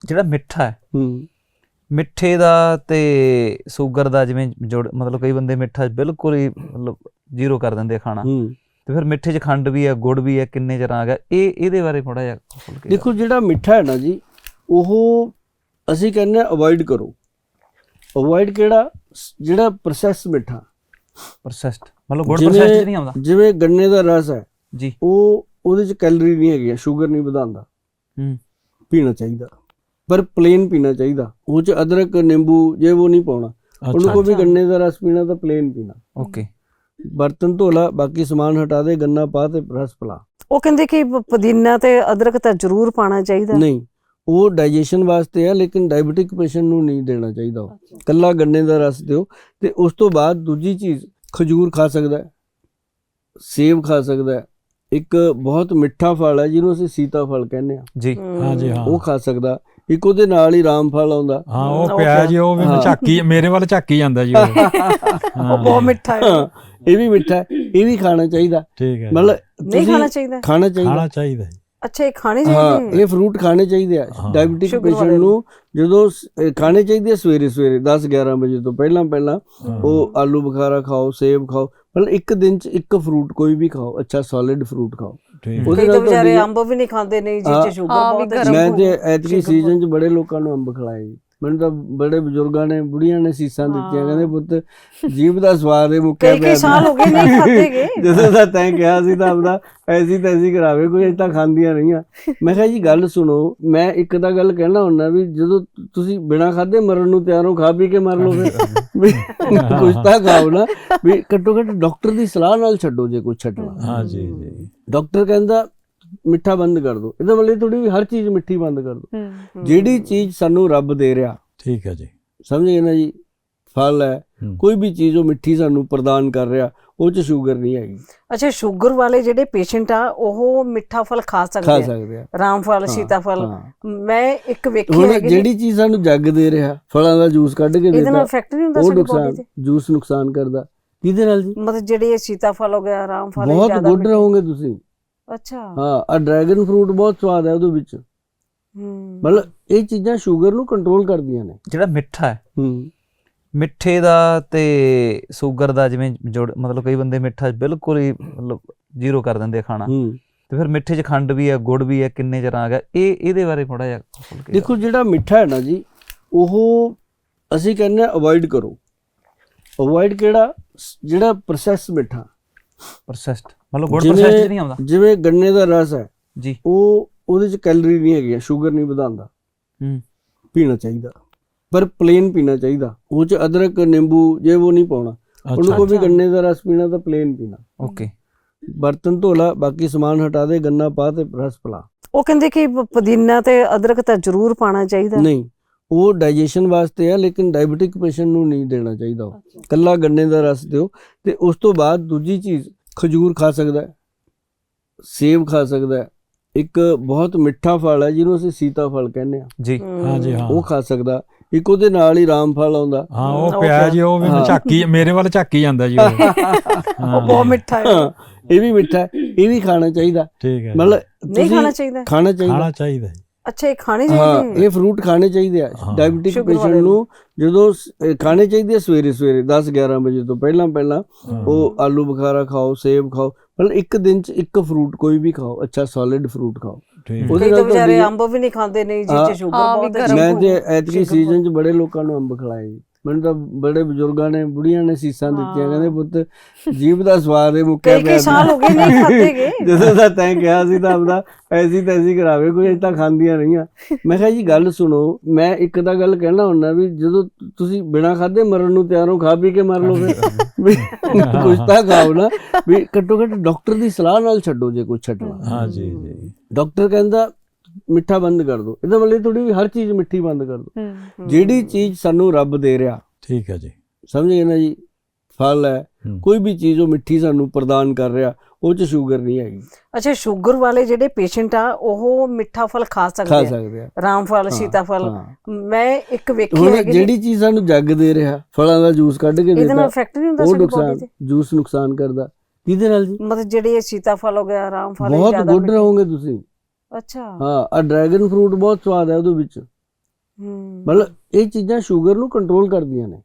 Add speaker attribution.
Speaker 1: ਜਿਹੜਾ ਮਿੱਠਾ ਹੈ ਮਿੱਠੇ ਦਾ ਤੇ ਸ਼ੂਗਰ ਦਾ ਜਿਵੇਂ ਜੋੜ ਮਤਲਬ ਕਈ ਬੰਦੇ ਮਿੱਠਾ ਬਿਲਕੁਲ ਹੀ ਮਤਲਬ ਜ਼ੀਰੋ ਕਰ ਦਿੰਦੇ ਆ ਖਾਣਾ ਤੇ ਫਿਰ ਮਿੱਠੇ 'ਚ ਖੰਡ ਵੀ ਹੈ ਗੁੜ ਵੀ ਹੈ ਕਿੰਨੇ ਤਰ੍ਹਾਂ ਆ ਗਿਆ ਇਹਦੇ ਬਾਰੇ ਥੋੜਾ ਜਿਹਾ
Speaker 2: ਦੇਖੋ ਜਿਹੜਾ ਮਿੱਠਾ ਹੈ ਨਾ ਜੀ ਉਹ ਅਸੀਂ ਕਹਿੰਦੇ ਅਵੋਇਡ ਕਰੋ। ਅਵੋਇਡ ਕਿਹੜਾ ਜਿਹੜਾ ਪ੍ਰੋਸੈਸ ਮਿੱਠਾ
Speaker 1: ਪ੍ਰੋਸੈਸਡ ਮਤਲਬ ਗੁੜ ਪ੍ਰੋਸੈਸਡ ਨਹੀਂ ਆਉਂਦਾ
Speaker 2: ਜਿਵੇਂ ਗੰਨੇ ਦਾ ਰਸ ਹੈ
Speaker 1: ਜੀ
Speaker 2: ਉਹਦੇ 'ਚ ਕੈਲਰੀ ਨਹੀਂ ਹੈਗੀ ਸ਼ੂਗਰ ਨਹੀਂ ਵਧਾਉਂਦਾ ਪੀਣਾ ਚਾਹੀਦਾ ਪਰ ਪਲੇਨ ਪੀਣਾ ਚਾਹੀਦਾ ਉਹ 'ਚ ਅਦਰਕ ਨਿੰਬੂ ਜੇ ਉਹ ਨਹੀਂ ਪਾਉਣਾ ਉਹਨੂੰ ਕੋਈ ਵੀ ਗੰਨੇ ਦਾ ਰਸ ਪੀਣਾ ਤਾਂ ਪਲੇਨ ਪੀਣਾ।
Speaker 1: ਓਕੇ
Speaker 2: ਬਰਤਨ ਧੋ ਲਾ ਬਾਕੀ ਸਮਾਨ ਹਟਾ ਦੇ ਗੰਨਾ ਪਾ ਤੇ ਰਸ ਪਿਲਾ।
Speaker 3: ਉਹ ਕਹਿੰਦੇ ਕਿ ਪੁਦੀਨਾ ਤੇ ਅਦਰਕ ਤਾਂ ਜ਼ਰੂਰ ਪਾਣਾ ਚਾਹੀਦਾ।
Speaker 2: ਨਹੀਂ ਉਹ ਡਾਈਜੈਸ਼ਨ ਵਾਸਤੇ ਹੈ ਲੇਕਿਨ ਡਾਇਬੀਟਿਕ ਪੇਸ਼ੈਂਟ ਨੂੰ ਨਹੀਂ ਦੇਣਾ ਚਾਹੀਦਾ ਉਹ ਕੱਲਾ ਗੰਨੇ ਦਾ ਰਸ ਦਿਓ। ਤੇ ਉਸ ਤੋਂ ਬਾਅਦ ਦੂਜੀ ਚੀਜ਼ ਖਜੂਰ ਖਾ ਸਕਦਾ ਹੈ ਸੇਬ ਖਾ ਸਕਦਾ ਹੈ ਇੱਕ ਬਹੁਤ ਮਿੱਠਾ ਫਲ ਹੈ ਜਿਹਨੂੰ ਅਸੀਂ ਸੀਤਾ ਫਲ ਕਹਿੰਦੇ ਆ
Speaker 1: ਜੀ
Speaker 4: ਹਾਂ ਜੀ ਹਾਂ
Speaker 2: ਉਹ ਖਾ ਸਕਦਾ। ਇੱਕ ਉਹਦੇ ਨਾਲ ਹੀ ਰਾਮ ਫਲ ਆਉਂਦਾ
Speaker 4: ਹਾਂ ਉਹ ਪਿਆ ਜੀ ਉਹ ਵੀ ਝਾਕੀ ਮੇਰੇ ਵੱਲ ਝਾਕੀ ਜਾਂਦਾ ਜੀ
Speaker 3: ਉਹ ਬਹੁਤ ਮਿੱਠਾ ਹੈ
Speaker 2: ਇਹ ਵੀ ਮਿੱਠਾ ਹੈ ਇਹ ਵੀ ਖਾਣਾ ਚਾਹੀਦਾ।
Speaker 4: ਠੀਕ ਹੈ
Speaker 2: ਮਤਲਬ
Speaker 3: ਨਹੀਂ ਖਾਣਾ ਚਾਹੀਦਾ
Speaker 4: ਖਾਣਾ ਚਾਹੀਦਾ
Speaker 3: ਅੱਛਾ ਇਹ ਖਾਣੇ ਚਾਹੀਦੇ
Speaker 2: ਇਹ ਫਰੂਟ ਖਾਣੇ ਚਾਹੀਦੇ ਆ ਡਾਇਬੀਟਿਕ ਪੇਸ਼ੈਂਟ ਨੂੰ ਜਦੋਂ ਖਾਣੇ ਚਾਹੀਦੇ ਆ ਸਵੇਰੇ 10-11 ਵਜੇ ਤੋਂ ਪਹਿਲਾਂ ਉਹ ਆਲੂ ਬੁਖਾਰਾ ਖਾਓ ਸੇਬ ਖਾਓ ਮਤਲਬ ਇੱਕ ਦਿਨ 'ਚ ਇੱਕ ਫਰੂਟ ਕੋਈ ਵੀ ਖਾਓ ਅੱਛਾ ਸੋਲਿਡ ਫਰੂਟ ਖਾਓ।
Speaker 3: ਕਈ ਤਾਂ ਵਿਚਾਰੇ ਅੰਬ ਵੀ ਨਹੀਂ ਖਾਂਦੇ ਨਹੀਂ ਜਿਹ 'ਚ ਸ਼ੂਗਰ ਬਹੁਤ ਹੈ।
Speaker 2: ਮੈਂ ਤੇ ਐਤਕੀ ਸੀਜ਼ਨ 'ਚ ਬੜੇ ਲੋਕਾਂ ਨੂੰ ਅੰਬ ਖਿਲਾਏ ਜੀ ਮੈਨੂੰ ਤਾਂ ਬੜੇ ਬਜ਼ੁਰਗਾਂ ਨੇ ਬੁੜੀਆਂ ਨੇ ਸੀਸਾਂ ਦਿੱਤੀਆਂ ਕਹਿੰਦੇ ਪੁੱਤ ਜੀਭ ਦਾ ਸਵਾਦ ਹੈ ਮੁੱਕਿਆ ਪਿਆ
Speaker 3: ਕਈ ਸਾਲ ਹੋ ਗਏ ਨਹੀਂ ਖਾਧੇਗੇ
Speaker 2: ਜਦੋਂ ਦਾ ਤੈਂ ਕਿਹਾ ਸੀ ਤਾਂ ਆਪਦਾ ਐਸੀ ਕਰਾਵੇ ਕੋਈ ਅਜੇ ਤਾਂ ਖਾਂਦੀਆਂ ਰਹੀਆਂ। ਮੈਂ ਕਿਹਾ ਜੀ ਗੱਲ ਸੁਣੋ ਮੈਂ ਇੱਕ ਤਾਂ ਗੱਲ ਕਹਿਣਾ ਹੁੰਦਾ ਵੀ ਜਦੋਂ ਤੁਸੀਂ ਬਿਨਾਂ ਖਾਧੇ ਮਰਨ ਨੂੰ ਤਿਆਰ ਹੋ ਖਾ ਪੀ ਕੇ ਮਰ ਲਓ ਫਿਰ ਕੁਛ ਤਾਂ ਖਾਓ ਨਾ ਵੀ ਘੱਟੋ ਘੱਟ ਡਾਕਟਰ ਦੀ ਸਲਾਹ ਨਾਲ ਛੱਡੋ ਜੇ ਕੁਛ ਛੱਡਣਾ।
Speaker 4: ਹਾਂ ਜੀ ਜੀ
Speaker 2: ਡਾਕਟਰ ਕਹਿੰਦਾ ਮਿੱਠਾ ਬੰਦ ਕਰ ਦੋ ਇਹਦਾ ਮਤਲਬ ਥੋੜੀ ਵੀ ਹਰ ਚੀਜ਼ ਮਿੱਠੀ ਬੰਦ ਕਰ ਦੋ। ਜਿਹੜੀ ਚੀਜ਼ ਸਾਨੂੰ ਰੱਬ ਦੇ ਰਿਹਾ
Speaker 4: ਠੀਕ ਹੈ ਜੀ
Speaker 2: ਸਮਝ ਗਏ ਨਾ ਜੀ ਫਲ ਹੈ ਕੋਈ ਵੀ ਚੀਜ਼ ਉਹ ਮਿੱਠੀ ਸਾਨੂੰ ਪ੍ਰਦਾਨ ਕਰ ਰਿਹਾ ਉਹ 'ਚ ਸ਼ੂਗਰ ਨਹੀਂ ਹੈਗੀ।
Speaker 3: ਅੱਛਾ ਸ਼ੂਗਰ ਵਾਲੇ ਜਿਹੜੇ ਪੇਸ਼ੈਂਟ ਆ ਉਹ ਮਿੱਠਾ ਫਲ ਖਾ ਸਕਦੇ ਆ ਰਾਮ ਫਲ ਸੀਤਾ ਫਲ ਮੈਂ ਇੱਕ ਵੇਖੀ ਹੈ
Speaker 2: ਜਿਹੜੀ ਚੀਜ਼ ਸਾਨੂੰ ਜੱਗ ਦੇ ਰਿਹਾ ਫਲਾਂ ਦਾ ਜੂਸ ਕੱਢ ਕੇ
Speaker 3: ਇਹਦੇ ਨਾਲ ਇਫੈਕਟ ਨਹੀਂ ਹੁੰਦਾ
Speaker 2: ਸਾਡੇ ਬੋਡੀ ਤੇ ਜੂਸ ਨੁਕਸਾਨ ਕਰਦਾ ਕਿਹਦੇ ਨਾਲ ਜੀ
Speaker 3: ਮਤਲਬ ਜਿਹੜੇ ਸੀਤਾ ਫਲ ਹੋ ਗਿਆ ਰਾਮ ਫਲ
Speaker 2: ਬਹੁਤ ਗੁੱਡ ਰਹੋਗੇ ਤੁਸੀਂ।
Speaker 3: ਅੱਛਾ
Speaker 2: ਹਾਂ ਆ ਡਰੈਗਨ ਫਰੂਟ ਬਹੁਤ ਸਵਾਦ ਹੈ ਉਹਦੇ ਵਿੱਚ ਮਤਲਬ ਇਹ ਚੀਜ਼ਾਂ ਸ਼ੂਗਰ ਨੂੰ ਕੰਟਰੋਲ ਕਰਦੀਆਂ ਨੇ।
Speaker 1: ਜਿਹੜਾ ਮਿੱਠਾ ਹੈ ਮਿੱਠੇ ਦਾ ਤੇ ਸ਼ੂਗਰ ਦਾ ਜਿਵੇਂ ਜੋੜ ਮਤਲਬ ਕਈ ਬੰਦੇ ਮਿੱਠਾ ਬਿਲਕੁਲ ਹੀ ਮਤਲਬ ਜ਼ੀਰੋ ਕਰ ਦਿੰਦੇ ਆ ਖਾਣਾ ਤੇ ਫਿਰ ਮਿੱਠੇ 'ਚ ਖੰਡ ਵੀ ਹੈ ਗੁੜ ਵੀ ਹੈ ਕਿੰਨੇ ਤਰ੍ਹਾਂ ਆ ਗਿਆ ਇਹਦੇ ਬਾਰੇ ਥੋੜਾ ਜਿਹਾ
Speaker 2: ਦੇਖੋ ਜਿਹੜਾ ਮਿੱਠਾ ਹੈ ਨਾ ਜੀ ਉਹ ਅਸੀਂ ਕਹਿੰਦੇ ਅਵੋਇਡ ਕਰੋ। ਅਵੋਇਡ ਕਿਹੜਾ ਜਿਹੜਾ ਪ੍ਰੋਸੈਸ ਮਿੱਠਾ
Speaker 1: ਪ੍ਰੋਸੈਸਡ ਮਤਲਬ ਗੁੜ ਪ੍ਰੋਸੈਸਡ ਨਹੀਂ ਆਉਂਦਾ
Speaker 2: ਜਿਵੇਂ ਗੰਨੇ ਦਾ ਰਸ ਹੈ
Speaker 1: ਜੀ
Speaker 2: ਉਹਦੇ 'ਚ ਕੈਲਰੀ ਨਹੀਂ ਹੈਗੀ ਸ਼ੂਗਰ ਨਹੀਂ ਵਧਾਉਂਦਾ ਪੀਣਾ ਚਾਹੀਦਾ ਪਰ ਪਲੇਨ ਪੀਣਾ ਚਾਹੀਦਾ ਉਹ 'ਚ ਅਦਰਕ ਨਿੰਬੂ ਜੇ ਉਹ ਨਹੀਂ ਪਾਉਣਾ ਉਹਨੂੰ ਕੋਈ ਵੀ ਗੰਨੇ ਦਾ ਰਸ ਪੀਣਾ ਤਾਂ ਪਲੇਨ ਪੀਣਾ।
Speaker 1: ਓਕੇ
Speaker 2: ਬਰਤਨ ਧੋ ਲਾ ਬਾਕੀ ਸਮਾਨ ਹਟਾ ਦੇ ਗੰਨਾ ਪਾ ਤੇ ਰਸ ਪਿਲਾ।
Speaker 3: ਉਹ ਕਹਿੰਦੇ ਕਿ ਪੁਦੀਨਾ ਤੇ ਅਦਰਕ ਤਾਂ ਜ਼ਰੂਰ ਪਾਣਾ ਚਾਹੀਦਾ।
Speaker 2: ਨਹੀਂ ਉਹ ਡਾਈਜੈਸ਼ਨ ਵਾਸਤੇ ਹੈ ਲੇਕਿਨ ਡਾਇਬੀਟਿਕ ਪੇਸ਼ੈਂਟ ਨੂੰ ਨਹੀਂ ਦੇਣਾ ਚਾਹੀਦਾ ਉਹ ਕੱਲਾ ਗੰਨੇ ਦਾ ਰਸ ਦਿਓ। ਤੇ ਉਸ ਤੋਂ ਬਾਅਦ ਦੂਜੀ ਚੀਜ਼ ਖਜੂਰ ਖਾ ਸਕਦਾ ਹੈ ਸੇਬ ਖਾ ਸਕਦਾ ਹੈ ਇੱਕ ਬਹੁਤ ਮਿੱਠਾ ਫਲ ਹੈ ਜਿਹਨੂੰ ਅਸੀਂ ਸੀਤਾ ਫਲ ਕਹਿੰਦੇ ਆ
Speaker 1: ਜੀ
Speaker 4: ਹਾਂ ਜੀ ਹਾਂ
Speaker 2: ਉਹ ਖਾ ਸਕਦਾ। ਇੱਕ ਉਹਦੇ ਨਾਲ ਹੀ ਰਾਮ ਫਲ ਆਉਂਦਾ
Speaker 4: ਹਾਂ ਉਹ ਪਿਆ ਜੀ ਉਹ ਵੀ ਝਾਕੀ ਮੇਰੇ ਵੱਲ ਝਾਕੀ ਜਾਂਦਾ ਜੀ
Speaker 3: ਉਹ ਬਹੁਤ ਮਿੱਠਾ ਹੈ
Speaker 2: ਇਹ ਵੀ ਮਿੱਠਾ ਹੈ ਇਹ ਵੀ ਖਾਣਾ ਚਾਹੀਦਾ।
Speaker 3: ਠੀਕ
Speaker 2: ਹੈ ਮਤਲਬ
Speaker 3: ਨਹੀਂ ਖਾਣਾ
Speaker 2: ਚਾਹੀਦਾ
Speaker 3: ਅੱਛਾ ਇਹ ਖਾਣੇ ਚਾਹੀਦੇ
Speaker 2: ਇਹ ਫਰੂਟ ਖਾਣੇ ਚਾਹੀਦੇ ਆ ਡਾਇਬੀਟਿਕ ਪੇਸ਼ੈਂਟ ਨੂੰ ਜਦੋਂ ਖਾਣੇ ਚਾਹੀਦੇ ਆ ਸਵੇਰੇ 10-11 ਵਜੇ ਤੋਂ ਪਹਿਲਾਂ ਉਹ ਆਲੂ ਬੁਖਾਰਾ ਖਾਓ ਸੇਬ ਖਾਓ ਮਤਲਬ ਇੱਕ ਦਿਨ 'ਚ ਇੱਕ ਫਰੂਟ ਕੋਈ ਵੀ ਖਾਓ ਅੱਛਾ ਸੋਲਿਡ ਫਰੂਟ ਖਾਓ।
Speaker 3: ਕਈ ਤਾਂ ਵਿਚਾਰੇ ਅੰਬ ਵੀ ਨਹੀਂ ਖਾਂਦੇ ਨਹੀਂ ਜਿਹ 'ਚ ਸ਼ੂਗਰ ਬਹੁਤ ਹੈ।
Speaker 2: ਮੈਂ ਤੇ ਐਤਕੀ ਸੀਜ਼ਨ 'ਚ ਬੜੇ ਲੋਕਾਂ ਨੂੰ ਅੰਬ ਖਿਲਾਏ ਜੀ ਮੈਨੂੰ ਤਾਂ ਬੜੇ ਬਜ਼ੁਰਗਾਂ ਨੇ ਬੁੜੀਆਂ ਨੇ ਸੀਸਾਂ ਦਿੱਤੀਆਂ ਕਹਿੰਦੇ ਪੁੱਤ ਜੀਭ ਦਾ ਸਵਾਦ ਹੈ ਮੁੱਕਿਆ ਪਿਆ
Speaker 3: ਕਈ ਸਾਲ ਹੋ ਗਏ ਨਹੀਂ ਖਾਧੇਗੇ
Speaker 2: ਜਦੋਂ ਦਾ ਤੈਂ ਕਿਹਾ ਸੀ ਤਾਂ ਆਪਦਾ ਐਸੀ ਕਰਾਵੇ ਕੋਈ ਅਜੇ ਤਾਂ ਖਾਂਦੀਆਂ ਰਹੀਆਂ। ਮੈਂ ਕਿਹਾ ਜੀ ਗੱਲ ਸੁਣੋ ਮੈਂ ਇੱਕ ਤਾਂ ਗੱਲ ਕਹਿਣਾ ਹੁੰਦਾ ਵੀ ਜਦੋਂ ਤੁਸੀਂ ਬਿਨਾਂ ਖਾਧੇ ਮਰਨ ਨੂੰ ਤਿਆਰ ਹੋ ਖਾ ਪੀ ਕੇ ਮਰ ਲਓ ਫਿਰ ਕੁਛ ਤਾਂ ਖਾਓ ਨਾ ਵੀ ਘੱਟੋ ਘੱਟ ਡਾਕਟਰ ਦੀ ਸਲਾਹ ਨਾਲ ਛੱਡੋ ਜੇ ਕੁਛ ਛੱਡਣਾ।
Speaker 4: ਹਾਂ ਜੀ ਜੀ
Speaker 2: ਡਾਕਟਰ ਕਹਿੰਦਾ ਮਿੱਠਾ ਬੰਦ ਕਰ ਦੋ ਇਹਦਾ ਮਤਲਬ ਥੋੜੀ ਵੀ ਹਰ ਚੀਜ਼ ਮਿੱਠੀ ਬੰਦ ਕਰ ਦੋ। ਜਿਹੜੀ ਚੀਜ਼ ਸਾਨੂੰ ਰੱਬ ਦੇ ਰਿਹਾ
Speaker 4: ਠੀਕ ਹੈ ਜੀ
Speaker 2: ਸਮਝ ਗਏ ਨਾ ਜੀ ਫਲ ਹੈ ਕੋਈ ਵੀ ਚੀਜ਼ ਉਹ ਮਿੱਠੀ ਸਾਨੂੰ ਪ੍ਰਦਾਨ ਕਰ ਰਿਹਾ ਉਹ 'ਚ ਸ਼ੂਗਰ ਨਹੀਂ ਹੈਗੀ।
Speaker 3: ਅੱਛਾ ਸ਼ੂਗਰ ਵਾਲੇ ਜਿਹੜੇ ਪੇਸ਼ੈਂਟ ਆ ਉਹ ਮਿੱਠਾ ਫਲ ਖਾ ਸਕਦੇ ਆ ਰਾਮ ਫਲ ਸੀਤਾ ਫਲ ਮੈਂ ਇੱਕ ਵੇਖੀ ਹੈ
Speaker 2: ਜਿਹੜੀ ਚੀਜ਼ ਸਾਨੂੰ ਜੱਗ ਦੇ ਰਿਹਾ ਫਲਾਂ ਦਾ ਜੂਸ ਕੱਢ ਕੇ
Speaker 3: ਇਹਦੇ ਨਾਲ ਇਫੈਕਟ ਨਹੀਂ ਹੁੰਦਾ
Speaker 2: ਸਾਡੇ ਬੋਡੀ ਤੇ ਜੂਸ ਨੁਕਸਾਨ ਕਰਦਾ ਕਿਹਦੇ ਨਾਲ ਜੀ
Speaker 3: ਮਤਲਬ ਜਿਹੜੇ ਸੀਤਾ ਫਲ ਹੋ ਗਿਆ ਰਾਮ ਫਲ
Speaker 2: ਬਹੁਤ ਗੁੱਡ ਰਹੋਗੇ ਤੁਸੀਂ।
Speaker 3: ਅੱਛਾ
Speaker 2: ਹਾਂ ਆ ਡਰੈਗਨ ਫਰੂਟ ਬਹੁਤ ਸਵਾਦ ਹੈ ਉਹਦੇ ਵਿੱਚ ਮਤਲਬ ਇਹ ਚੀਜ਼ਾਂ ਸ਼ੂਗਰ ਨੂੰ ਕੰਟਰੋਲ ਕਰਦੀਆਂ ਨੇ।